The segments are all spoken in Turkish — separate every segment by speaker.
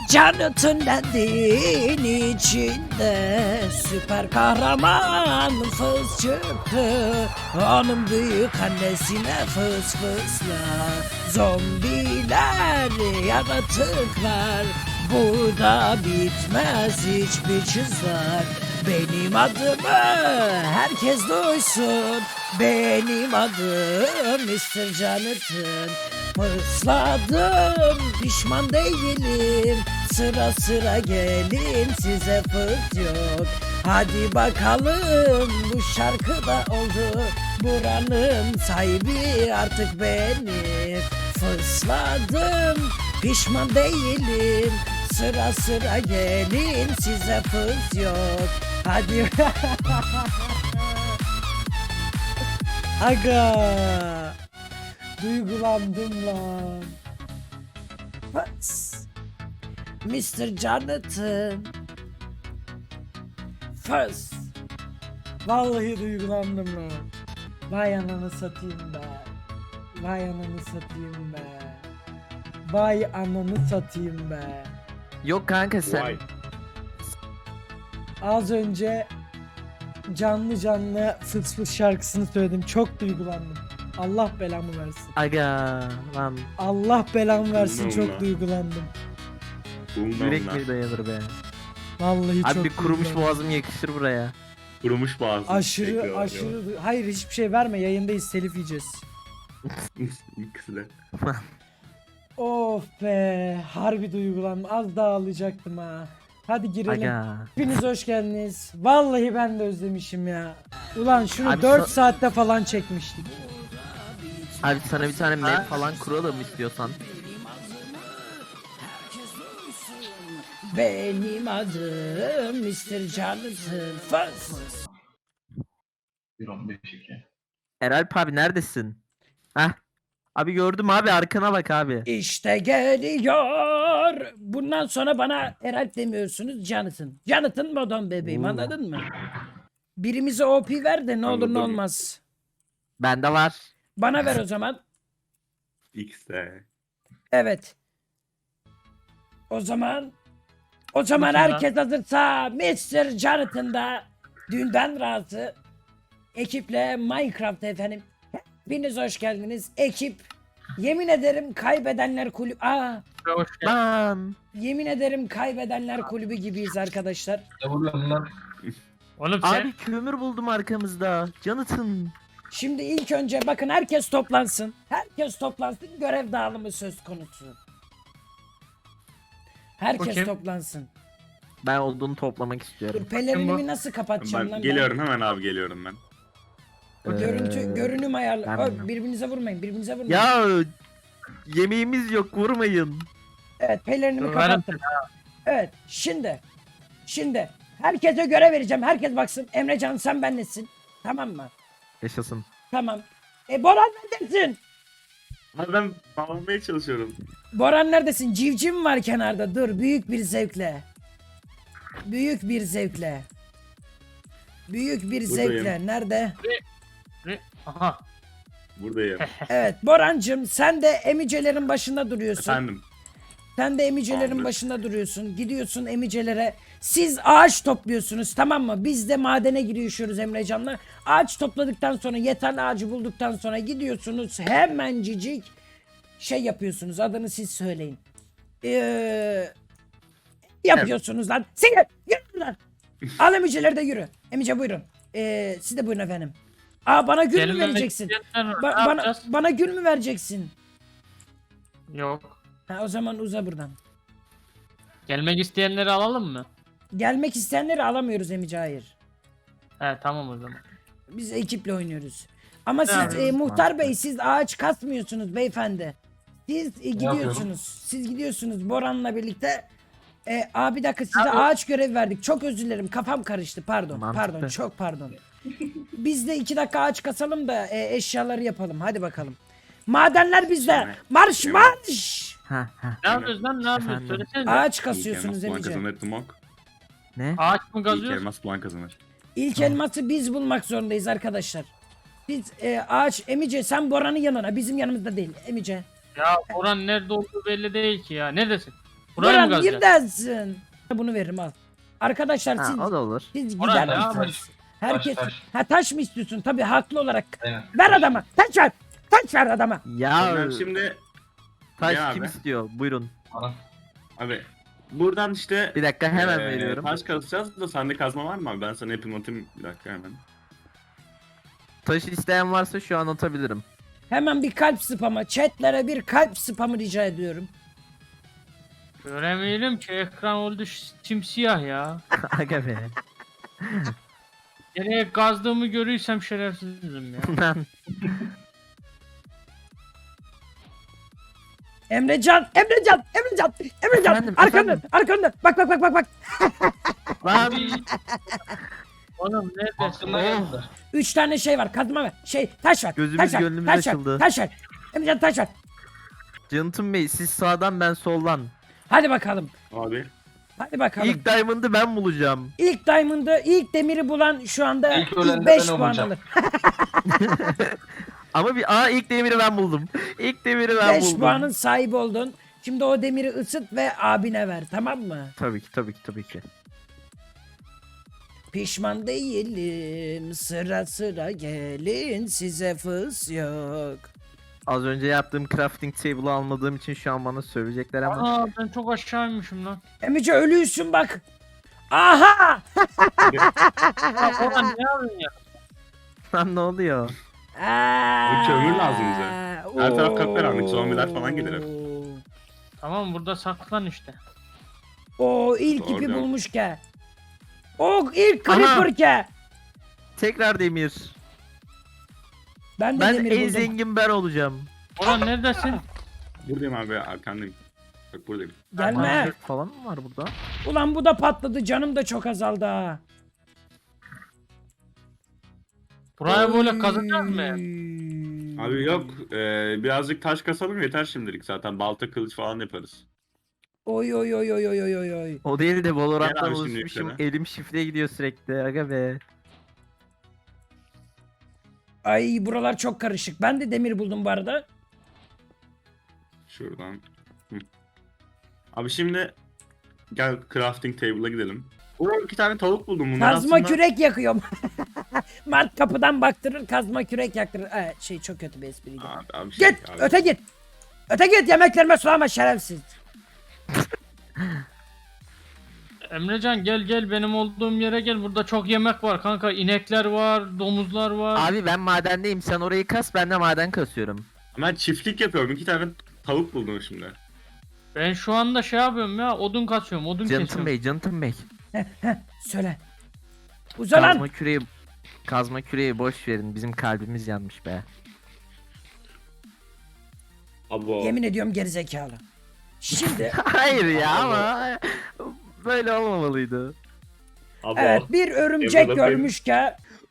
Speaker 1: Jonathan Land'in içinde süper kahraman fıs çıktı. Onun büyük annesine fıs fısla. Zombiler, yaratıklar, burada bitmez hiçbir çizgiler. Benim adımı herkes duysun. Benim adım Mr. Jonathan. Fısladım, pişman değilim. Sıra sıra gelin, size fırt yok. Hadi bakalım, bu şarkı da oldu. Buranın sahibi artık benim. Fısladım, pişman değilim. Sıra sıra gelin, size fırt yok. Hadi. Aga. Duygulandım lan. Fıs. Mr. Jonathan. Fıs. Vallahi duygulandım lan. Vay ananı satayım be. Vay ananı satayım be. Vay ananı satayım be.
Speaker 2: Yok kanka sen.
Speaker 3: Vay.
Speaker 1: Az önce canlı fıs fıs şarkısını söyledim. Çok duygulandım. Allah belamı versin.
Speaker 2: Aga lan
Speaker 1: Allah belamı versin,
Speaker 3: Bununla.
Speaker 1: çok duygulandım.
Speaker 2: yürek mi dayanır be.
Speaker 1: Vallahi
Speaker 2: Abi
Speaker 1: çok
Speaker 2: bir kurumuş
Speaker 1: duygulandım.
Speaker 2: boğazım yakışır buraya.
Speaker 3: Kurumuş boğazım.
Speaker 1: Aşırı
Speaker 3: Bekliyorlar,
Speaker 1: aşırı hayır, hiçbir şey verme, yayındayız, telif yiyeceğiz.
Speaker 3: İkisi de.
Speaker 1: Of be, harbi duygulandım, az daha ağlayacaktım ha. Hadi girelim.
Speaker 2: Aga.
Speaker 1: Hepiniz hoş geldiniz. Vallahi ben de özlemişim ya. Ulan şunu
Speaker 2: Abi
Speaker 1: 4 saatte falan çekmiştik.
Speaker 2: Abi sana bir tane map falan kuralım istiyorsan.
Speaker 1: Benim adım Mr. Jonathan Fıs.
Speaker 4: 1.15.2.
Speaker 2: Eralp abi neredesin? Heh. Abi gördüm abi, arkana bak abi.
Speaker 1: İşte geliyor. Bundan sonra bana Eralp demiyorsunuz, Jonathan. Jonathan modon bebeğim, anladın mı? Birimize OP ver de ne olur ne
Speaker 3: Anladım.
Speaker 1: olmaz.
Speaker 2: Bende var.
Speaker 1: Bana ver o zaman.
Speaker 3: İkisi de.
Speaker 1: Evet. O zaman herkes hazırsa Mr. Jonathan da dünden razı ekiple Minecraft efendim. Hepiniz hoş geldiniz. Ekip, yemin ederim kaybedenler kulübü.
Speaker 2: Lan.
Speaker 1: Yemin ederim kaybedenler kulübü gibiyiz arkadaşlar.
Speaker 4: Ne vuruyorsun lan?
Speaker 5: Oğlum sen
Speaker 2: Abi kömür buldum arkamızda. Jonathan.
Speaker 1: Şimdi ilk önce bakın, herkes toplansın. Herkes toplansın. Görev dağılımı söz konusu. Herkes
Speaker 5: Bakayım.
Speaker 1: toplansın.
Speaker 2: Ben odunu toplamak istiyorum.
Speaker 1: Dur, pelerinimi nasıl kapatacağım
Speaker 3: Ben
Speaker 1: lan
Speaker 3: geliyorum hemen abi, geliyorum ben.
Speaker 1: Görünüm ayarlı.
Speaker 2: ben
Speaker 1: Oy,
Speaker 2: bilmiyorum.
Speaker 1: birbirinize vurmayın. Birbirinize vurmayın.
Speaker 2: Ya yemeğimiz yok, vurmayın.
Speaker 1: Evet, pelerinimi
Speaker 5: Dur,
Speaker 1: kapattım. Evet, şimdi herkese görev vereceğim. Herkes baksın. Emrecan, sen benlesin. Tamam mı?
Speaker 2: Yaşasın.
Speaker 1: Tamam. Boran neredesin?
Speaker 3: Abi ben bağlamaya çalışıyorum.
Speaker 1: Boran neredesin? Civciv var kenarda. Dur, büyük bir zevkle. Büyük bir zevkle. Büyük bir
Speaker 3: Buradayım.
Speaker 1: zevkle. Nerede?
Speaker 5: aha
Speaker 3: Buradayım.
Speaker 1: Evet, Borancığım, sen de emicelerin başında duruyorsun.
Speaker 3: Efendim.
Speaker 1: Sen de emicelerin
Speaker 3: Tamamdır.
Speaker 1: başında duruyorsun. Gidiyorsun emicelere. Siz ağaç topluyorsunuz, tamam mı? Biz de madene girişiyoruz Emrecan'la. Ağaç topladıktan sonra, yeterli ağacı bulduktan sonra gidiyorsunuz. Hemencicik şey yapıyorsunuz. Adını siz söyleyin. Yapıyorsunuz lan. Sen yürü buradan. Al emiceleri de yürü. Emice buyurun. Siz de buyurun efendim. Bana gül mü
Speaker 5: gelmek
Speaker 1: vereceksin?
Speaker 5: isteyenler var,
Speaker 1: Ba-
Speaker 5: ne
Speaker 1: bana,
Speaker 5: yapacağız?
Speaker 1: bana gül mü vereceksin?
Speaker 5: Yok.
Speaker 1: O zaman uza buradan.
Speaker 5: Gelmek isteyenleri alalım mı?
Speaker 1: Gelmek isteyenleri alamıyoruz Emice, hayır.
Speaker 5: He tamam o zaman.
Speaker 1: Biz ekiple oynuyoruz. Ama siz
Speaker 5: yapıyoruz?
Speaker 1: muhtar bey, siz ağaç kasmıyorsunuz beyefendi. Siz gidiyorsunuz.
Speaker 4: yapıyorum?
Speaker 1: Siz gidiyorsunuz Boran'la birlikte. Bir dakika, size ağaç görevi verdik. Çok özür dilerim, kafam karıştı. Pardon.
Speaker 2: Mantıklı.
Speaker 1: Pardon, çok pardon. Biz de 2 dakika ağaç kasalım da eşyaları yapalım. Hadi bakalım. Madenler bizde.
Speaker 3: Sonra-
Speaker 1: Marş
Speaker 3: Evet.
Speaker 1: marş.
Speaker 2: Ha ha.
Speaker 5: Ne yapıyoruz lan, ne yapıyoruz?
Speaker 2: Efendim?
Speaker 5: Söylesene.
Speaker 1: Ağaç kasıyorsunuz
Speaker 3: İlk elmas bulan
Speaker 1: Emice.
Speaker 3: kazanır Tımok.
Speaker 2: Ne?
Speaker 5: Ağaç mı
Speaker 3: İlk
Speaker 5: kazıyoruz?
Speaker 3: elmas bulan kazanır.
Speaker 1: İlk elması biz bulmak zorundayız arkadaşlar. Biz ağaç, Emice sen Boran'ın yanına, bizim yanımızda değil Emice.
Speaker 5: Ya Orhan nerede olduğu belli değil ki ya. Neredesin? Buraya mı
Speaker 1: Buran
Speaker 5: kazacağız?
Speaker 1: neredesin? Bunu veririm al. Arkadaşlar
Speaker 2: Ha,
Speaker 1: siz,
Speaker 2: o da olur.
Speaker 1: siz
Speaker 5: Oraya
Speaker 1: gider
Speaker 5: ne
Speaker 1: misiniz? Herkes
Speaker 4: Taş.
Speaker 1: ha taş mı istiyorsun? Tabii haklı olarak.
Speaker 4: Aynen.
Speaker 1: Ver adama. Taş ver. Taş ver adama.
Speaker 2: Ya
Speaker 3: Ben şimdi
Speaker 2: taş
Speaker 3: Ya
Speaker 2: kim
Speaker 3: abi.
Speaker 2: istiyor? Buyurun.
Speaker 4: Bana.
Speaker 3: abi buradan işte
Speaker 2: Bir dakika hemen
Speaker 3: Ee,
Speaker 2: veriyorum.
Speaker 3: taş kazacağız da sende kazma var mı abi? Ben sana yapayım atayım bir dakika hemen.
Speaker 2: Taş isteyen varsa şu an atabilirim.
Speaker 1: Hemen bir kalp spamı. Chatlere bir kalp spamı rica ediyorum.
Speaker 5: Göremeyelim ki ekran oldu simsiyah ya.
Speaker 2: Aga be.
Speaker 5: Nereye kazdığımı görürsem şerefsizim ya.
Speaker 2: Lan.
Speaker 1: Emrecan.
Speaker 2: Efendim,
Speaker 1: Arkanda.
Speaker 2: efendim.
Speaker 1: Arkanda. Bak.
Speaker 2: Lan.
Speaker 5: Oğlum neredesin?
Speaker 4: Aklımda geldi.
Speaker 1: 3 tane şey var. Kazma ver. Taş ver.
Speaker 2: Gözümüz
Speaker 1: taş ver,
Speaker 2: gönlümüz
Speaker 1: taş ver,
Speaker 2: açıldı.
Speaker 1: Taş ver. Emrecan taş ver.
Speaker 2: Canıtım Bey siz sağdan ben soldan.
Speaker 1: Hadi bakalım.
Speaker 3: Abi
Speaker 1: Hadi bakalım.
Speaker 2: İlk diamond'ı ben bulacağım.
Speaker 1: İlk diamond'ı, ilk demiri bulan şu anda
Speaker 4: İlk
Speaker 1: ilk
Speaker 4: ölen de
Speaker 1: 5
Speaker 4: ben
Speaker 1: puan
Speaker 4: olacağım.
Speaker 1: alır.
Speaker 2: Ama ilk demiri ben buldum. İlk demiri ben
Speaker 1: 5
Speaker 2: buldum.
Speaker 1: puanın sahibi oldun. Şimdi o demiri ısıt ve abine ver, tamam mı?
Speaker 2: Tabii ki.
Speaker 1: Pişman değilim, sıra sıra gelin, size fıs yok.
Speaker 2: Az önce yaptığım crafting table'ı almadığım için şu an bana sövecekler ama.
Speaker 5: Aa ben çok aşağıymışım lan.
Speaker 1: Emice ölüysün bak. Aha!
Speaker 5: Ya Orhan ne yapıyorsun ya?
Speaker 2: Lan ne oluyor?
Speaker 1: Aa!
Speaker 3: kömür lazım bize. Her taraf kapkaranlık, zombiler falan gelir hep.
Speaker 5: Tamam burada saklan işte.
Speaker 1: O ilk
Speaker 3: Doğru
Speaker 1: ipi
Speaker 3: diyorsun.
Speaker 1: bulmuş ke. O ilk creeper ke.
Speaker 2: Tekrar demir.
Speaker 1: Ben de
Speaker 2: Ben
Speaker 1: demir
Speaker 2: en
Speaker 1: buldum.
Speaker 2: zengin ben olacağım.
Speaker 5: Orhan neredesin?
Speaker 3: Buradayım abi arkandayım. Bak buradayım.
Speaker 1: Gelme.
Speaker 2: Minecraft falan mı var burada?
Speaker 1: Ulan bu da patladı, canım da çok azaldı ha.
Speaker 5: Buraya böyle kazacağız mı?
Speaker 3: Abi yok birazcık taş kasalım yeter şimdilik zaten balta kılıç falan yaparız.
Speaker 1: Oy.
Speaker 2: O değil de Valorant'tan
Speaker 3: Gel abi şimdi
Speaker 2: alışmışım.
Speaker 3: yukarı.
Speaker 2: Elim şifre gidiyor sürekli. Aga be.
Speaker 1: Ay buralar çok karışık. Ben de demir buldum bu arada.
Speaker 3: Şuradan. Hı. Abi şimdi gel crafting table'a gidelim. Oo 2 tane tavuk buldum bunlar
Speaker 1: Kazma
Speaker 3: aslında.
Speaker 1: kürek yakıyorum. Mart kapıdan baktırır, kazma kürek yaktırır. Çok kötü bir espriydi.
Speaker 3: Abi
Speaker 1: Git,
Speaker 3: abi.
Speaker 1: öte git. Öte git, yemeklerime sulama şerefsiz.
Speaker 5: Emrecan gel benim olduğum yere gel. Burada çok yemek var kanka. İnekler var, domuzlar var.
Speaker 2: Abi ben madendeyim. Sen orayı kas, ben de maden kasıyorum.
Speaker 3: Ben çiftlik yapıyorum 2 tane tavuk buldum şimdi.
Speaker 5: Ben şu anda şey yapıyorum ya. Odun kasıyorum, odun
Speaker 2: Canıtım
Speaker 5: kesiyorum.
Speaker 2: Canıtım Bey.
Speaker 1: Söyle. Uza lan.
Speaker 2: Kazma küreği boş verin. Bizim kalbimiz yanmış be.
Speaker 3: Abo.
Speaker 1: Yemin ediyorum gerizekalı. Şimdi
Speaker 2: Hayır ya ama böyle olmamalıydı.
Speaker 3: Abo.
Speaker 1: evet bir örümcek
Speaker 3: Evladım benim.
Speaker 1: görmüş ki.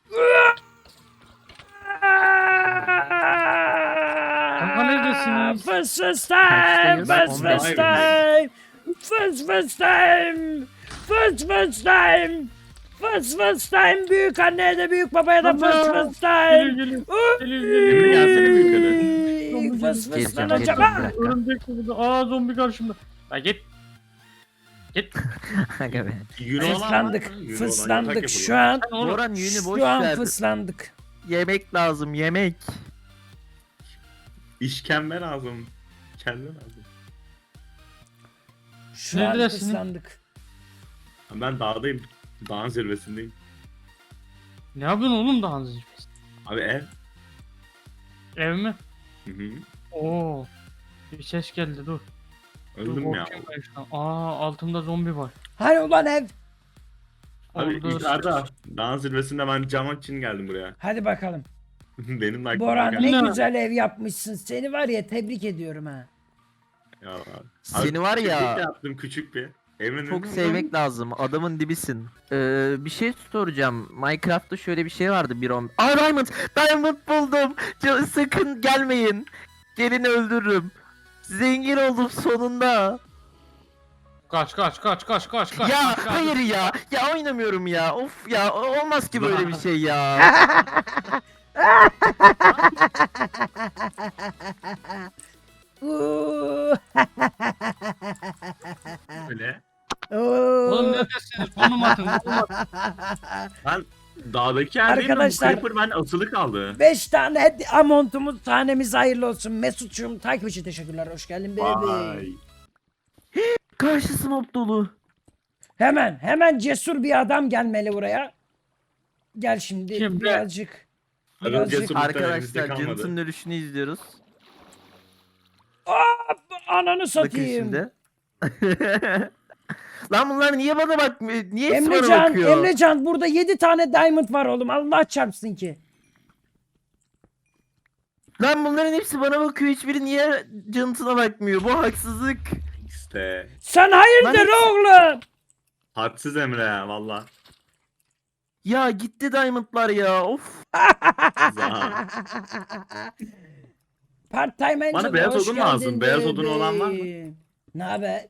Speaker 5: Kanka neredesiniz?
Speaker 1: Fıs fıs time, fıs
Speaker 2: Kaçtayız?
Speaker 1: fıs time, fıs fıs time, fıs fıs time, fıs fıs time, büyük anneye de büyük babaya da fıs fıs time.
Speaker 5: Geliyor.
Speaker 3: Emre gelsene bir yukarı.
Speaker 1: Fıs fıs
Speaker 2: Geleceğim,
Speaker 1: lan
Speaker 2: geleceğim,
Speaker 1: hocam.
Speaker 2: bir dakika.
Speaker 5: Örümcek de burada. Aa zombi karşımda. La git. Git.
Speaker 2: Aga be.
Speaker 3: Yünü olan var
Speaker 1: Fıslandık,
Speaker 3: mı? Yünü olan
Speaker 1: fıslandık
Speaker 3: yatak
Speaker 1: şu
Speaker 3: yapalım.
Speaker 1: an.
Speaker 5: Sen oğlum.
Speaker 2: Boran yünü boş
Speaker 1: Şu an
Speaker 2: ver.
Speaker 1: fıslandık.
Speaker 2: Yemek lazım, yemek.
Speaker 3: İşkembe lazım. Kelle lazım.
Speaker 1: Şu an
Speaker 5: Neredesin?
Speaker 1: fıslandık.
Speaker 3: Ben dağdayım. Dağın zirvesindeyim.
Speaker 5: Ne yapıyorsun oğlum daha hızlı?
Speaker 3: Abi ev.
Speaker 5: Ev mi?
Speaker 3: Hı hı.
Speaker 5: Oo. Bir ses geldi dur. Dur
Speaker 3: Öldüm ya.
Speaker 5: korkuyorum ben şu an. Aa altımda zombi var.
Speaker 1: Hani ulan ev.
Speaker 3: Abi
Speaker 5: Orada
Speaker 3: yukarıda. Dağın zirvesinde ben cam için geldim buraya.
Speaker 1: Hadi bakalım.
Speaker 3: Benim de aklıma
Speaker 1: Boran
Speaker 3: geldi.
Speaker 1: ne
Speaker 5: Ne?
Speaker 1: güzel ev yapmışsın. Seni var ya tebrik ediyorum ha.
Speaker 3: Ya abi.
Speaker 2: Seni var ya-
Speaker 3: Küçük yaptım küçük bir. Emre'nin
Speaker 2: Çok sevmek lazım. Adamın dibisin. Bir şey soracağım. Minecraft'ta şöyle bir şey vardı bir on. Aa Diamond! Diamond buldum! Sakın gelmeyin. Gelin öldürürüm. Zengin oldum sonunda.
Speaker 5: Kaç.
Speaker 2: Ya
Speaker 5: kaç.
Speaker 2: hayır ya. Ya oynamıyorum ya. Of ya olmaz ki böyle bir şey ya.
Speaker 1: Uuu.
Speaker 3: öyle?
Speaker 5: Oğlum neredesiniz? Konum atın.
Speaker 3: Ben dağdaki yerdeyim.
Speaker 1: Arkadaşlar-
Speaker 3: Creeper ben asılı kaldı.
Speaker 1: 5 tane amontumuz, tanemiz hayırlı olsun. Mesut'cum takip için teşekkürler. Hoş geldin
Speaker 3: Vay.
Speaker 1: bebeğim.
Speaker 2: Karşısı mob dolu.
Speaker 1: Hemen cesur bir adam gelmeli buraya. Gel şimdi
Speaker 5: Kim be?
Speaker 1: birazcık.
Speaker 3: Hadi
Speaker 1: Birazcık.
Speaker 3: cesur. elimizde
Speaker 2: Arkadaşlar
Speaker 3: kalmadı.
Speaker 2: Jonathan'ın ölüşünü izliyoruz.
Speaker 1: Ananı
Speaker 2: Bakın
Speaker 1: satayım.
Speaker 2: şimdi. Lan bunlar niye bana bakmıyor? Niye hepsi bana
Speaker 1: Emrecan,
Speaker 2: bakıyor?
Speaker 1: Emrecan burada 7 tane diamond var oğlum. Allah çarpsın ki.
Speaker 2: Lan bunların hepsi bana bakıyor. Hiçbiri niye Jonathan'a bakmıyor? Bu haksızlık.
Speaker 3: İşte.
Speaker 1: Sen hayırdır
Speaker 2: Lan-
Speaker 1: oğlum?
Speaker 3: Hadsiz Emre ya valla.
Speaker 2: Ya gitti diamondlar ya. Of.
Speaker 3: Za.
Speaker 1: Part time Angel,
Speaker 3: Bana beyaz
Speaker 1: hoş
Speaker 3: odun lazım.
Speaker 1: geldin
Speaker 3: Beyaz odunu olan var mı?
Speaker 1: bebeğim. Ne haber?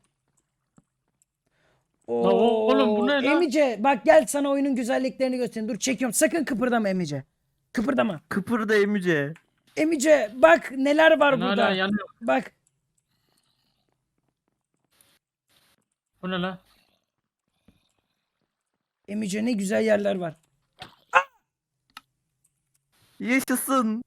Speaker 5: oğlum bu ne lan?
Speaker 1: Emice bak gel sana oyunun güzelliklerini göstereyim. Dur çekiyorum. Sakın kıpırdama Emice. Kıpırdama.
Speaker 2: Kıpırda Emice.
Speaker 1: Emice bak neler var
Speaker 5: Ben
Speaker 1: burada.
Speaker 5: hala yanıyorum.
Speaker 1: Bak.
Speaker 5: Bu ne lan?
Speaker 1: Emice ne güzel yerler var.
Speaker 2: Yaşasın.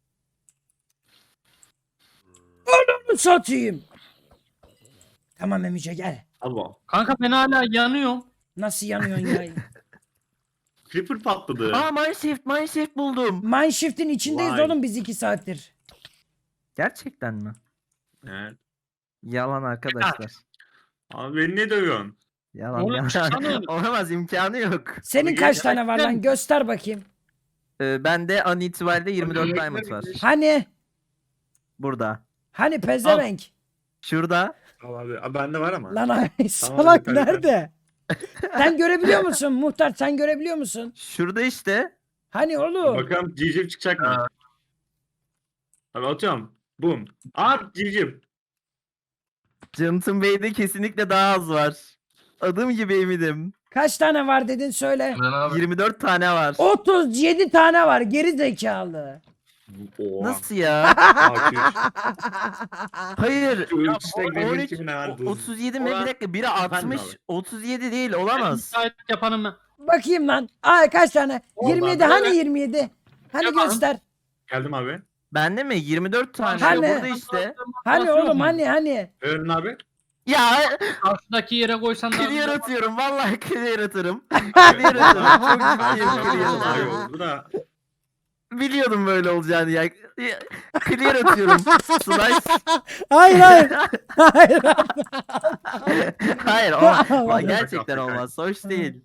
Speaker 1: Ananı satayım. Tamam Emice gel.
Speaker 3: Abo.
Speaker 5: Kanka ben hala yanıyorum.
Speaker 1: Nasıl yanıyorsun ya?
Speaker 3: Creeper patladı.
Speaker 2: Aa mineshaft buldum.
Speaker 1: Mineshift'in içindeyiz
Speaker 3: Vay.
Speaker 1: oğlum biz 2 saattir.
Speaker 2: Gerçekten mi?
Speaker 3: Evet.
Speaker 2: Yalan arkadaşlar.
Speaker 3: Abi beni ne dövüyorsun?
Speaker 2: Yalan
Speaker 5: Oğlum çıksana
Speaker 2: yalan.
Speaker 5: oğlum.
Speaker 2: Olamaz imkanı yok.
Speaker 1: Senin
Speaker 3: Bugün
Speaker 1: kaç tane var lan?
Speaker 5: gerçekten-
Speaker 1: Göster bakayım.
Speaker 2: Bende an itibariyle 24 diamond var.
Speaker 1: Hani?
Speaker 2: Burada.
Speaker 1: Hani pezevenk?
Speaker 2: Şurada.
Speaker 3: Al abi. Bende var ama.
Speaker 1: Lan ay
Speaker 3: Tamam,
Speaker 1: salak
Speaker 3: yukarı yukarı.
Speaker 1: nerede? Sen görebiliyor musun muhtar? Sen görebiliyor musun?
Speaker 2: Şurada işte.
Speaker 1: Hani oğlum?
Speaker 3: Bakalım civciv çıkacak mı? Abi atıyorum. Boom. Civciv.
Speaker 2: Jonathan Bey'de kesinlikle daha az var. Adım gibi eminim.
Speaker 1: Kaç tane var dedin söyle.
Speaker 2: 24 tane var.
Speaker 1: 37 tane var geri zekalı.
Speaker 3: Oha.
Speaker 2: Nasıl ya?
Speaker 3: Akış.
Speaker 2: Hayır.
Speaker 3: Şu işte demir
Speaker 2: 13,
Speaker 3: gibi ne var?
Speaker 2: 37 mi? Bir dakika. Biri 60.
Speaker 3: abi.
Speaker 2: 37 değil
Speaker 5: Ben
Speaker 2: olamaz.
Speaker 5: müsait yapanım ben.
Speaker 1: Bakayım lan. Ay kaç tane?
Speaker 3: Oldu
Speaker 1: 27
Speaker 3: abi.
Speaker 1: hani 27? Hani
Speaker 5: Yapalım.
Speaker 1: göster.
Speaker 3: Geldim abi.
Speaker 2: Bende mi? 24 tane.
Speaker 1: Hani?
Speaker 2: Burada işte.
Speaker 1: Hani
Speaker 5: Nasıl yok
Speaker 1: oğlum
Speaker 5: mu?
Speaker 1: hani?
Speaker 3: Öğren abi.
Speaker 2: Ya
Speaker 5: Karşıdaki yere koysan daha
Speaker 2: clear
Speaker 5: güzel.
Speaker 2: atıyorum. Vallahi clear atarım. Clear atarım. Çok ciddiyim clear
Speaker 3: Daha iyi
Speaker 2: atarım.
Speaker 3: oldu. Bu da
Speaker 2: Biliyordum böyle olacağını ya. Clear atıyorum. Slice.
Speaker 1: Hayır hayır. Hayır.
Speaker 2: Hayır o
Speaker 1: Vallahi.
Speaker 2: gerçekten olmaz. Hoş değil.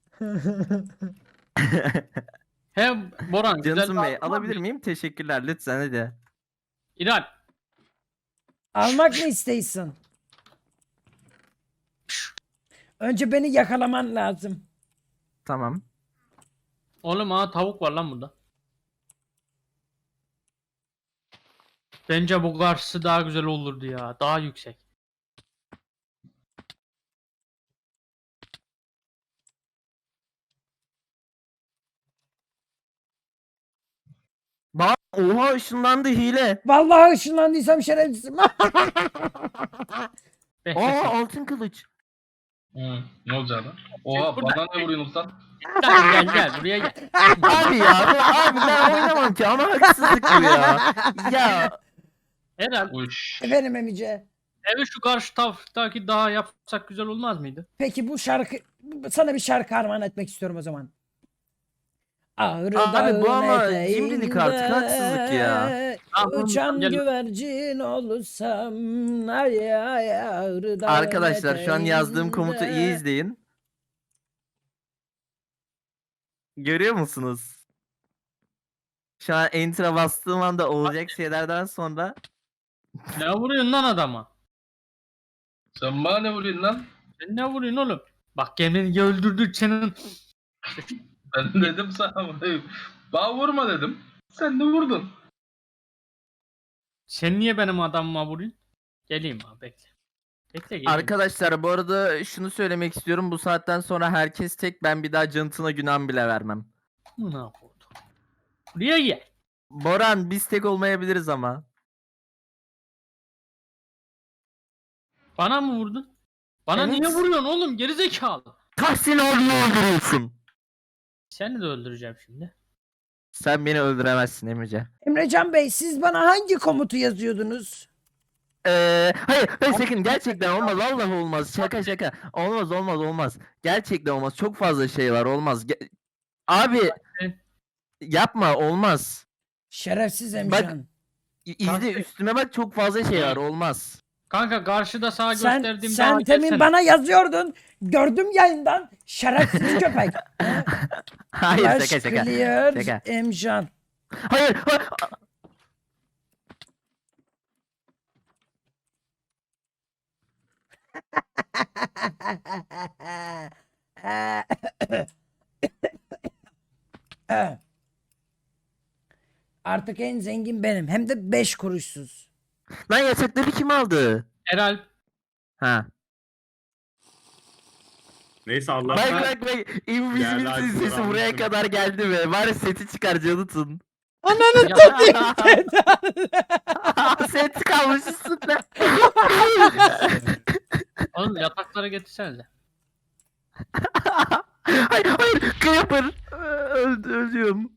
Speaker 5: He Boran güzel
Speaker 2: Jonathan
Speaker 5: bir
Speaker 2: Bey
Speaker 5: adam var
Speaker 2: alabilir
Speaker 5: mı?
Speaker 2: miyim? Teşekkürler lütfen hadi.
Speaker 5: İlal.
Speaker 1: Almak mı isteyorsun? Önce beni yakalaman lazım.
Speaker 2: Tamam.
Speaker 5: Oğlum tavuk var lan burada. Bence bu karşısı daha güzel olurdu ya. Daha yüksek.
Speaker 2: Bak oha ışınlandı hile.
Speaker 1: Vallahi ışınlandıysam şerefsizim.
Speaker 2: Aa altın kılıç.
Speaker 4: Ne olacak lan? Oha
Speaker 5: Burada-
Speaker 4: bana ne vuruyorsun sen?
Speaker 5: Gel buraya gel.
Speaker 2: Abi ya abi ben oynamam ki ama haksızlık bu ya. Ya
Speaker 5: Herhal
Speaker 4: Uş.
Speaker 1: Efendim Emice.
Speaker 5: evi şu karşı taraftaki daha yapsak güzel olmaz mıydı?
Speaker 1: Peki bu şarkı sana bir şarkı armağan etmek istiyorum o zaman. Ağrı
Speaker 2: Abi bu ama
Speaker 1: dağın
Speaker 2: cimrilik artık, haksızlık ya.
Speaker 1: eteğinde
Speaker 5: Tamam,
Speaker 1: Uçan
Speaker 5: gel.
Speaker 1: güvercin olursam ay ay Ağrı dağın
Speaker 2: arkadaşlar şu an yazdığım komutu iyi
Speaker 1: eteğinde.
Speaker 2: izleyin. Görüyor musunuz? Şu an enter'a bastığım anda olacak şeylerden sonra
Speaker 5: Ne vuruyorsun lan adama?
Speaker 4: Sen bana ne vuruyorsun lan?
Speaker 5: Sen ne vuruyorsun oğlum? Bak gemini öldürdük senin.
Speaker 4: Ben dedim sana bana vurma dedim. Sen de vurdun.
Speaker 5: Sen niye benim adamıma vuruyorsun? Geleyim abi bekle. Bekle geleyim.
Speaker 2: arkadaşlar bu arada şunu söylemek istiyorum. Bu saatten sonra herkes tek, ben bir daha Jonathan'a günah bile vermem.
Speaker 5: Ne yapıyordu? Buraya gel.
Speaker 2: Boran biz tek olmayabiliriz ama.
Speaker 5: Bana mı vurdun? Bana
Speaker 1: Evet.
Speaker 5: niye vuruyorsun oğlum gerizekalı?
Speaker 2: Tahsin abiyi öldürüyorsun.
Speaker 5: Seni de öldüreceğim şimdi.
Speaker 2: Sen beni öldüremezsin Emrecan.
Speaker 1: Emrecan Bey siz bana hangi komutu yazıyordunuz?
Speaker 2: Hayır sakın gerçekten olmaz Allah olmaz şaka olmaz gerçekten olmaz çok fazla şey var olmaz abi yapma olmaz
Speaker 1: Şerefsiz
Speaker 2: Bak,
Speaker 1: Emrecan.
Speaker 2: izle üstüme bak çok fazla şey var olmaz.
Speaker 5: Kanka karşıda sağa
Speaker 1: Sen,
Speaker 5: gösterdiğim
Speaker 1: sen
Speaker 5: dağa
Speaker 1: temin
Speaker 5: gelsene.
Speaker 1: bana yazıyordun. Gördüm yayından. Şerefsiz köpek.
Speaker 2: Hayır
Speaker 1: Flash
Speaker 2: şaka
Speaker 1: clear
Speaker 2: şaka.
Speaker 1: Emcan.
Speaker 2: Hayır
Speaker 1: Artık en zengin benim. Hem de 5 kuruşsuz.
Speaker 2: lan yasakları kim aldı?
Speaker 5: Eralp
Speaker 2: Ha.
Speaker 3: Neyse
Speaker 2: Bak
Speaker 3: Allah'tan
Speaker 2: bak bak
Speaker 3: Geldi,
Speaker 2: Invisible
Speaker 3: Alper
Speaker 2: sesi buraya
Speaker 3: almıştım.
Speaker 2: kadar geldi mi? Var seti çıkar Jonathan.
Speaker 1: Ananı
Speaker 5: Ya-
Speaker 1: satayım.
Speaker 2: Set kalmış üstünde.
Speaker 5: oğlum yataklara getirsenize.
Speaker 2: hayır Creeper. Ölüyorum.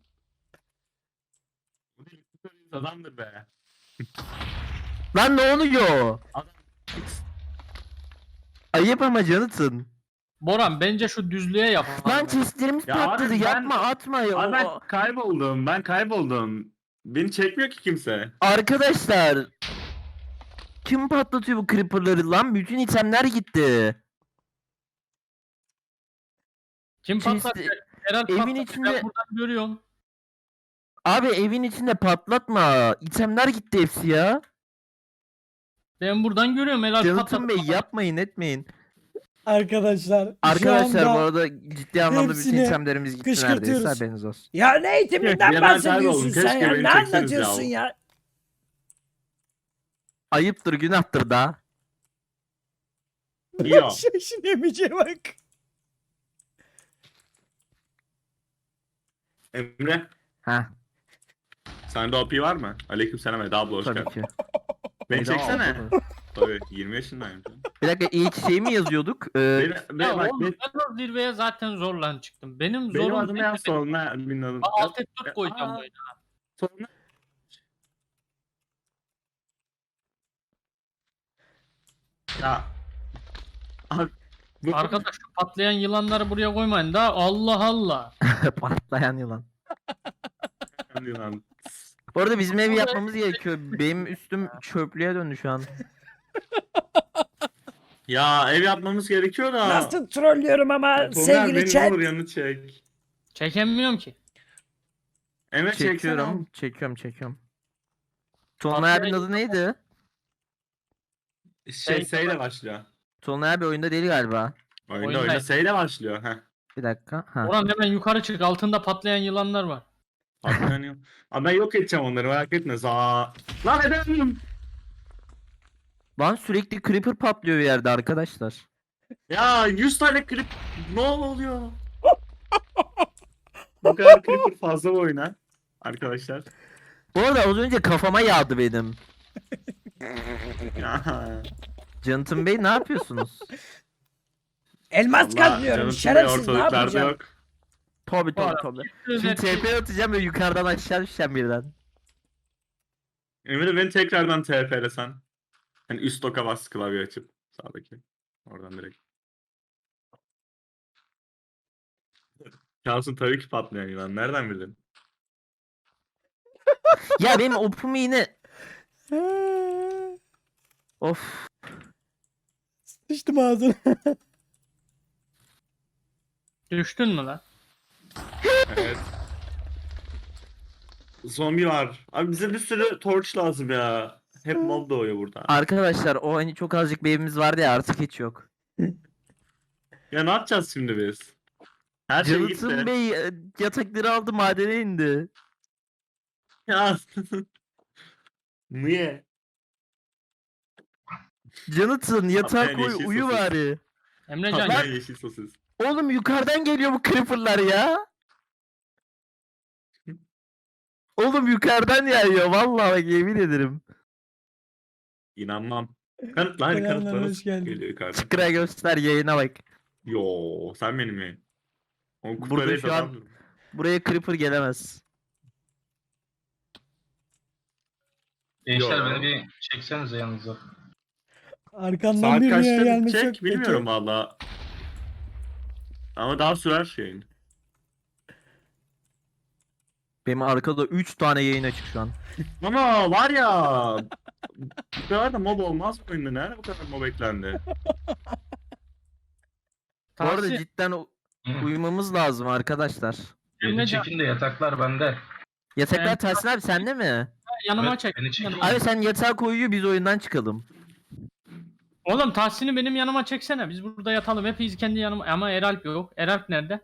Speaker 3: adamdır be.
Speaker 2: Lan ne oluyor?
Speaker 3: Adam
Speaker 2: Ayıp ama Jonathan.
Speaker 5: Boran bence şu düzlüğe yap.
Speaker 2: Lan chestlerimiz
Speaker 3: Ya abi
Speaker 2: patladı
Speaker 3: ben-
Speaker 2: yapma atma ya.
Speaker 3: Abi ben kayboldum. Beni çekmiyor ki kimse.
Speaker 2: Arkadaşlar. Kim patlatıyor bu creeperları lan? Bütün itemler gitti.
Speaker 5: Kim
Speaker 2: Chest-
Speaker 5: patlatacak? Eralp
Speaker 2: evin
Speaker 5: patlatacak.
Speaker 2: içinde-
Speaker 5: Ben buradan görüyorum.
Speaker 2: Abi evin içinde patlatma. İtemler gitti hepsi ya.
Speaker 5: Ben buradan görüyorum Eralp
Speaker 2: Jonathan Bey
Speaker 5: patlatacak.
Speaker 2: yapmayın etmeyin.
Speaker 1: Arkadaşlar.
Speaker 2: Arkadaşlar
Speaker 1: şu
Speaker 2: bu
Speaker 1: anda...
Speaker 2: arada ciddi anlamda bütün
Speaker 1: hepsini
Speaker 2: itemlerimiz gitti
Speaker 1: kışkırtıyoruz.
Speaker 2: neredeyse haberiniz olsun.
Speaker 1: Ya ne eğitiminden
Speaker 3: Ya ben
Speaker 1: bahsediyorsun
Speaker 3: kayboldum.
Speaker 1: sen
Speaker 3: Keşke
Speaker 1: ya?
Speaker 3: beni
Speaker 1: Ne
Speaker 3: çekseniz
Speaker 1: anlatıyorsun
Speaker 3: ya.
Speaker 1: ya?
Speaker 2: Ayıptır günahtır da.
Speaker 3: İyi o.
Speaker 1: Şaşın Emice bak.
Speaker 3: Emre,
Speaker 2: Ha
Speaker 3: sende OP var mı? Aleykümselam Eda abla hoş
Speaker 2: tabii
Speaker 3: geldin.
Speaker 2: ki.
Speaker 3: Beni
Speaker 2: Eda
Speaker 3: çeksene.
Speaker 2: abla.
Speaker 3: Tabii 20 yaşındayım.
Speaker 2: Bir dakika ilk şey mi yazıyorduk?
Speaker 5: Ya
Speaker 3: Bak,
Speaker 5: oğlum ben o zirveye zaten zorlan çıktım. Benim
Speaker 3: benim
Speaker 5: zorum
Speaker 3: adım ya sonra bilmiyorum.
Speaker 5: Alt F4 koyacağım
Speaker 3: Aa.
Speaker 5: oyuna.
Speaker 3: Sonra ya Abi, bu-
Speaker 5: Arkadaş şu patlayan yılanları buraya koymayın da Allah Allah.
Speaker 2: Patlayan yılan.
Speaker 3: Lan.
Speaker 2: Bu arada bizim evi yapmamız gerekiyor. Benim üstüm çöplüğe döndü şu an.
Speaker 3: Ya ev yapmamız gerekiyor da.
Speaker 1: Nasıl trollüyorum ama
Speaker 3: Tomer,
Speaker 1: sevgili
Speaker 3: beni
Speaker 1: chat.
Speaker 3: olur yanı çek.
Speaker 5: Çekemiyorum ki.
Speaker 3: Emre çekiyorum.
Speaker 2: Çekiyorum. Tolunay abinin adı neydi?
Speaker 3: Seyle başlıyor.
Speaker 2: Tolunay abi oyunda değil galiba.
Speaker 3: Oyunda
Speaker 5: Oyunda.
Speaker 3: seyle başlıyor. Heh.
Speaker 2: Bir dakika. Ha.
Speaker 5: Orhan hemen yukarı çık altında patlayan yılanlar var.
Speaker 3: Patlanıyor. Abi ben yok edeceğim onları merak etme. Lan edemiyorum.
Speaker 2: Lan sürekli creeper patlıyor bir yerde arkadaşlar.
Speaker 3: Ya 100 tane klip ne oluyor? Bu kadar creeper fazla bu oyuna. Arkadaşlar.
Speaker 2: Bu arada az önce kafama yağdı benim.
Speaker 3: Ya.
Speaker 2: Jonathan Bey ne yapıyorsunuz?
Speaker 1: Elmas
Speaker 3: Allah,
Speaker 1: kazmıyorum.
Speaker 3: canım
Speaker 1: Şerefsiz ne
Speaker 3: ortalıklarda
Speaker 1: yapacağım?
Speaker 3: yok.
Speaker 2: Tabi
Speaker 5: Var.
Speaker 2: tabi. Şimdi TP atacağım ve yukarıdan aşağı düşeceğim birden.
Speaker 3: Emre beni tekrardan TP'lesen. Hani üst doka bas klavye açıp sağdaki. Oradan direkt. Şansın tabii ki patlayan yılan. Nereden bildin?
Speaker 2: Ya benim opum yine... Of.
Speaker 1: Sıçtım ağzına.
Speaker 5: Düştün mü lan?
Speaker 3: Evet. Zombi var. Abi bize bir sürü torch lazım ya. Hep mob doğuyor burada.
Speaker 2: Arkadaşlar o hani çok azıcık bir evimiz vardı ya artık hiç yok.
Speaker 3: Ya ne yapacağız şimdi biz? Her şey
Speaker 2: Jonathan
Speaker 3: gitti.
Speaker 2: Bey yatakları aldı madene indi.
Speaker 3: Ya. Niye?
Speaker 2: Jonathan yatağa
Speaker 3: Patlayan
Speaker 2: koy
Speaker 3: yeşil
Speaker 2: uyu
Speaker 3: sosis.
Speaker 2: bari.
Speaker 5: Emrecan
Speaker 3: Patlayan
Speaker 5: gel.
Speaker 3: yeşil sosis.
Speaker 2: Oğlum yukarıdan geliyor bu creeperlar ya. Oğlum yukarıdan yağıyor vallahi bak yemin ederim.
Speaker 3: İnanmam. Kanıtlar
Speaker 1: Selamlar,
Speaker 3: kanıtlar
Speaker 1: hoş geldin.
Speaker 3: geliyor yukarıdan.
Speaker 2: Çıkıra göster yayına bak.
Speaker 3: Yo sen benim mi? O
Speaker 2: Burada
Speaker 3: kutuları
Speaker 2: şu an buraya Creeper gelemez.
Speaker 4: Gençler
Speaker 3: Yo.
Speaker 4: beni bir çeksenize yanınıza.
Speaker 1: Arkandan
Speaker 3: Saat
Speaker 1: bir rüya
Speaker 3: kaçta
Speaker 1: gelmesi yok
Speaker 3: bitecek bilmiyorum
Speaker 1: peki.
Speaker 3: valla. Ama daha sürer şeyin.
Speaker 2: Benim arkada 3 tane yayın açık şu an.
Speaker 3: Ama var ya bu kadar da mob olmaz mı oyunda? Nerede bu kadar mob eklendi?
Speaker 2: Bu arada
Speaker 5: Tahsin,
Speaker 2: cidden uyumamız lazım arkadaşlar.
Speaker 4: Beni
Speaker 5: Emrecan,
Speaker 4: çekin de yataklar bende.
Speaker 2: Yataklar
Speaker 5: Ben-
Speaker 2: Tahsin abi sende mi?
Speaker 5: yanıma
Speaker 4: Evet,
Speaker 5: çek.
Speaker 4: beni çekin.
Speaker 5: yanıma.
Speaker 2: Abi sen yatağa koyuyor biz oyundan çıkalım.
Speaker 5: Oğlum Tahsin'i benim yanıma çeksene. Biz burada yatalım. Hepimiz kendi yanıma. Ama Eralp yok. Eralp nerede?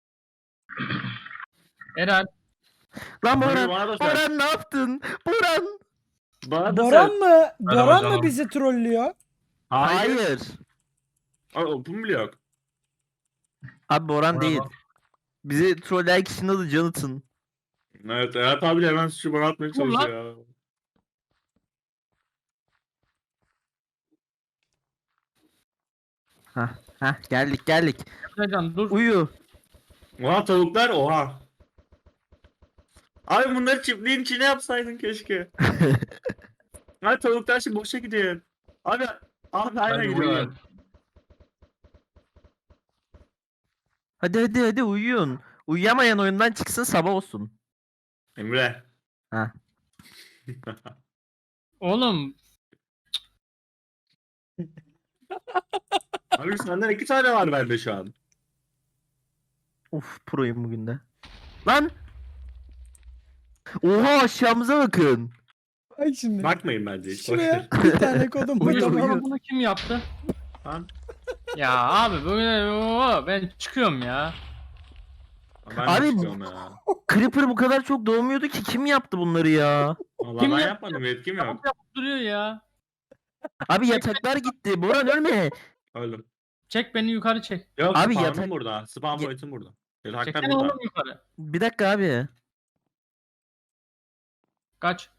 Speaker 5: Eralp.
Speaker 2: Lan
Speaker 3: Bana
Speaker 2: Boran,
Speaker 3: da söyle.
Speaker 2: Boran ne yaptın? Boran.
Speaker 3: Bana da
Speaker 1: Boran
Speaker 3: söyle.
Speaker 1: mı?
Speaker 4: Merhaba
Speaker 1: Boran mı
Speaker 4: canım.
Speaker 1: bizi trollüyor?
Speaker 3: Hayır.
Speaker 2: Hayır.
Speaker 3: Aa, open bile yok.
Speaker 2: Abi Boran
Speaker 4: Merhaba.
Speaker 2: değil. Bizi trolleyen kişinin adı Jonathan.
Speaker 3: Evet, Erhat abi de hemen suçu bana atmaya
Speaker 5: Dur lan.
Speaker 3: çalışıyor ya.
Speaker 2: Hah geldik.
Speaker 5: Emrecan dur.
Speaker 2: Uyu.
Speaker 3: Oha tavuklar oha. Abi bunları çiftliğin içine yapsaydın keşke. Abi tavuklar şimdi boşa gidiyor. Abi aynen
Speaker 4: Ben de
Speaker 3: gidiyor.
Speaker 4: uyuyorum.
Speaker 2: Hadi uyuyun. Uyuyamayan oyundan çıksın sabah olsun.
Speaker 3: Emre.
Speaker 2: Ha.
Speaker 5: Oğlum.
Speaker 3: Abi senden 2 tane var bende şu an.
Speaker 2: Uf proyum bugün de. Lan. Oha aşağımıza bakın.
Speaker 1: Bak şimdi.
Speaker 3: Bakmayın bence hiç.
Speaker 1: Şuraya bir tane kodum
Speaker 2: Uyu,
Speaker 1: burada
Speaker 2: uyu.
Speaker 1: var.
Speaker 5: Bunu kim yaptı?
Speaker 3: Lan.
Speaker 5: Ya abi böyle ben çıkıyorum ya.
Speaker 3: Ben
Speaker 2: Abi
Speaker 3: de
Speaker 2: bu-
Speaker 3: çıkıyorum ya.
Speaker 2: Creeper bu kadar çok doğmuyordu ki kim yaptı bunları ya?
Speaker 3: Vallahi
Speaker 5: Kim
Speaker 3: ben
Speaker 5: yaptı?
Speaker 3: yapmadım yetkim yok.
Speaker 5: Yapıp duruyor ya.
Speaker 2: Abi yataklar gitti. Boran ölme.
Speaker 3: Öldüm.
Speaker 5: Çek beni yukarı çek.
Speaker 3: Yok
Speaker 2: Abi
Speaker 3: spawn'ım
Speaker 2: yatak-
Speaker 3: burada. Spawn
Speaker 2: Ya-
Speaker 3: point'im burada. Yataklar
Speaker 5: Çeksene
Speaker 3: burada.
Speaker 5: oğlum yukarı.
Speaker 2: Bir dakika abi.
Speaker 5: Kaç.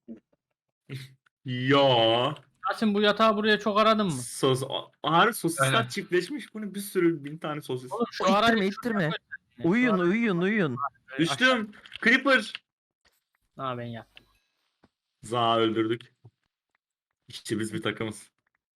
Speaker 3: Yo.
Speaker 5: Tahsin bu yatağı buraya çok aradın mı?
Speaker 3: Harbi sosisler
Speaker 4: Aynen.
Speaker 3: çiftleşmiş. Bu ne bir sürü 1000 tane sosis.
Speaker 5: Oğlum şu
Speaker 2: O
Speaker 5: arayı
Speaker 2: ittirme.
Speaker 5: Şu
Speaker 2: Uyuyun
Speaker 5: arayı-
Speaker 2: uyuyun.
Speaker 3: Düştüm. Creeper.
Speaker 5: Ha ben yattım.
Speaker 3: Za öldürdük. İşte biz bir takımız.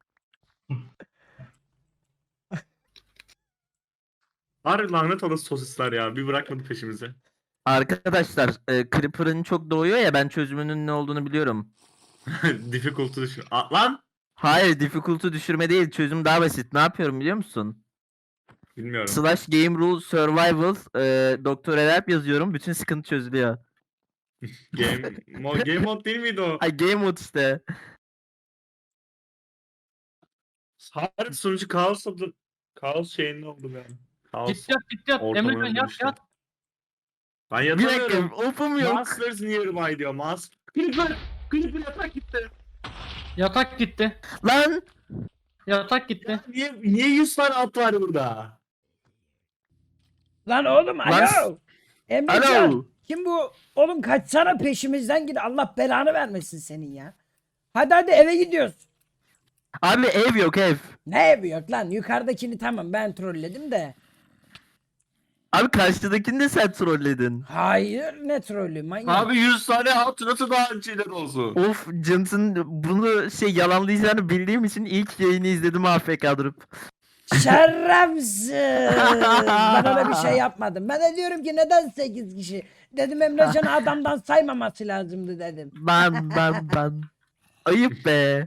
Speaker 3: Harbi lanet olası sosisler ya. Bir bırakmadı peşimizi.
Speaker 2: Arkadaşlar Creeper'ın çok doğuyor ya ben çözümünün ne olduğunu biliyorum.
Speaker 3: Difficulty düşün. Lan!
Speaker 2: Hayır difficulty düşürme değil çözüm daha basit. Ne yapıyorum biliyor musun?
Speaker 3: Bilmiyorum.
Speaker 2: Slash game rule survival Doktor Eralp yazıyorum bütün sıkıntı çözülüyor.
Speaker 3: Game mode değil miydi o?
Speaker 2: Ay game mode işte.
Speaker 3: Harbi sonucu kaos oldu. Kaos şeyinde oldu yani. Kaos
Speaker 5: Git yat.
Speaker 3: ortamına
Speaker 5: Emrecan yat
Speaker 3: dönüştü.
Speaker 5: yat.
Speaker 3: Ben
Speaker 2: Bir dakika
Speaker 3: yatamıyorum.
Speaker 2: ofum yok.
Speaker 3: Monsters nearby diyor. Creeper! Creeper yatak gitti.
Speaker 5: Yatak gitti.
Speaker 2: Lan
Speaker 5: Yatak gitti.
Speaker 3: Niye 100 tane at var burada?
Speaker 1: Lan oğlum
Speaker 2: Lan-
Speaker 1: alo. Emrecan.
Speaker 2: alo.
Speaker 1: Kim bu? Oğlum kaçsana peşimizden git. Allah belanı vermesin senin ya. Hadi eve gidiyoruz.
Speaker 2: Abi ev yok ev.
Speaker 1: Ne evi yok lan? Yukarıdakini tamam ben trolledim de.
Speaker 2: Abi karşıdakini de sen trolledin.
Speaker 1: Hayır ne trollü manyak.
Speaker 3: Abi 100 tane at nasıl daha önceler olsun?
Speaker 2: Of Jonathan bunu yalanlayacağını bildiğim için ilk yayını izledim AFK durup.
Speaker 1: Şerefsiz. Ben öyle bir şey yapmadım. Ben de diyorum ki neden 8 kişi? Dedim Emrecan'ı adamdan saymaması lazımdı dedim.
Speaker 2: Ben. Ayıp be.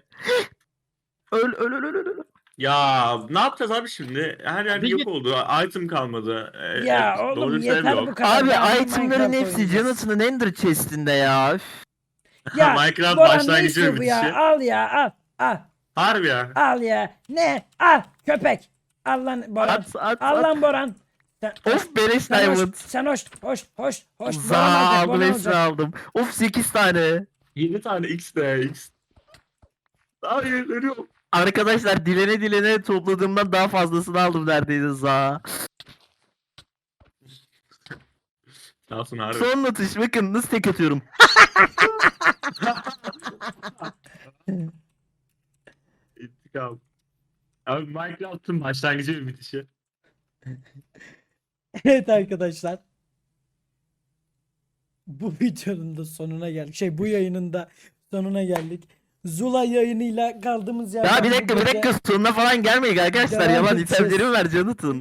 Speaker 2: Öl.
Speaker 3: Ya ne yapacağız abi şimdi? Her yer
Speaker 5: Bir
Speaker 3: yok
Speaker 5: git-
Speaker 3: oldu. Item kalmadı.
Speaker 1: Ya
Speaker 3: Doğru
Speaker 1: oğlum
Speaker 3: düzgün ev
Speaker 1: yeter
Speaker 3: yok.
Speaker 1: bu kadar.
Speaker 2: Abi
Speaker 1: Ben
Speaker 2: itemların
Speaker 1: Minecraft
Speaker 2: hepsi
Speaker 1: oynayacağız.
Speaker 2: Jonathan'ın Ender chest'inde ya. Üf.
Speaker 1: Ya
Speaker 3: Minecraft
Speaker 1: Boran ne
Speaker 3: başlangıcı
Speaker 1: istiyor
Speaker 3: mı
Speaker 1: bu ya?
Speaker 3: bitişi?
Speaker 1: Al ya al.
Speaker 3: Harbi ya.
Speaker 1: Al ya. Ne? Al köpek. Al lan Boran.
Speaker 2: At.
Speaker 1: Al lan Boran. Sen,
Speaker 2: Of beleş
Speaker 1: sen
Speaker 2: diamond.
Speaker 1: hoş. Boran
Speaker 2: Za
Speaker 1: alacak,
Speaker 2: aldım
Speaker 1: Boran
Speaker 2: hepsini
Speaker 1: alacak.
Speaker 2: aldım. Of 8 tane.
Speaker 3: 7 tane X de X. Hayır ölüyorum.
Speaker 2: Arkadaşlar dilene topladığımdan daha fazlasını aldım neredeyse za.
Speaker 3: Sağ olsun harbi.
Speaker 2: Son atış bakın nasıl tek atıyorum.
Speaker 3: kaldı. Abi Minecraft'ın başlangıcı ve bitişi.
Speaker 1: Evet arkadaşlar. Bu videonun da sonuna geldik. Bu yayının da sonuna geldik. Zula yayınıyla kaldığımız yerden
Speaker 2: Ya bir dakika
Speaker 1: bu gece
Speaker 2: sonuna falan gelmeyin arkadaşlar.
Speaker 1: devam
Speaker 2: Yalan
Speaker 1: edeceğiz.
Speaker 2: itemlerimi ver Jonathan.